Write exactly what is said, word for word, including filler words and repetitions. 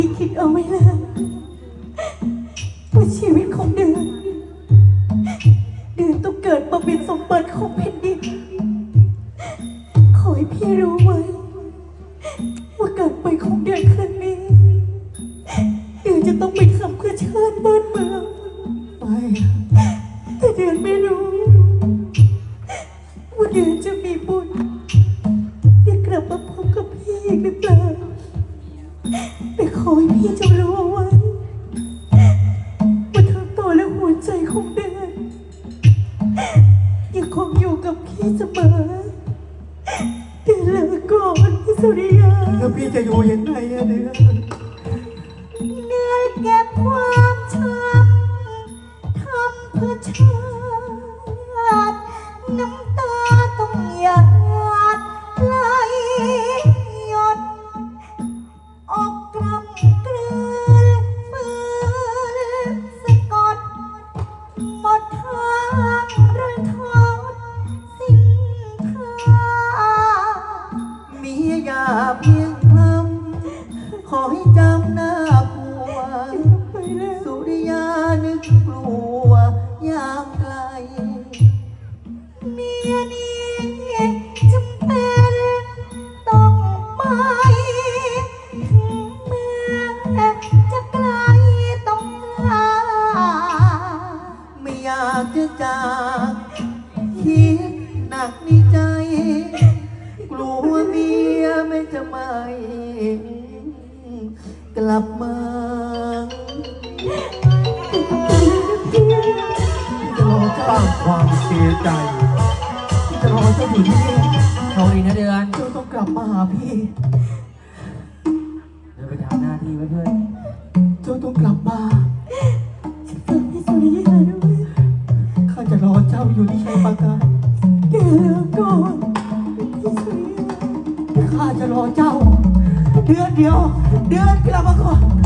คิดเอาไว้แล้วว่าชีวิตของเดือนเดือนต้องเกิดมาเป็นสมบัติของแผ่นดินขอให้พี่รู้ไว้ว่าการไปของเดือนครั้งนี้เดือนจะต้องไปทำเพื่อชาติบ้านเมืองไปแต่เดือนไม่รู้ว่าเดือนจะมีบุญได้กลับมาพบกับพี่อีกหรือเปล่าแต่ขอให้พี่จงรู้ไว้ว่าทั้งตัวและหัวใจของเดือนยังคงอยู่กับพี่เสมอเดือนลาก่อนพี่สุริยาแล้วพี่จะอยู่ยังไงอะเดือนเดือนเก็บความช้ำทำเพื่อชาติน้ำตาต้องหยาดไหลหยดออกกลำกลืนฝืนสะกดหมดทางรันทดสิ้นค่ามีอย่าเพียงคำขอให้จำหน้าผัวสุริยานึกกลัวยามไกลเมียนี้จำเป็นต้องไปถึงแม้จะไกลต้องลาไม่อยากจะจากคิดหนักในใจกลัวเมียไม่จะไม่กลับมาจะรอเจ้าสร้างความเสียใจจะรอเจ้าอยู่ที่นี่โชคดีนะเดือนเจ้าต้องกลับมาหาพี่เดินไปทำหน้าที่ไว้เพื่อนเจ้าต้องกลับมาฟังพี่สุริยาด้วยข้าจะรอเจ้าอยู่ที่ชัยปราการแกแล้วก่อนพี่สุริยาข้าจะรอเจ้าเดือนเดียวเดือนกลับมาก่อน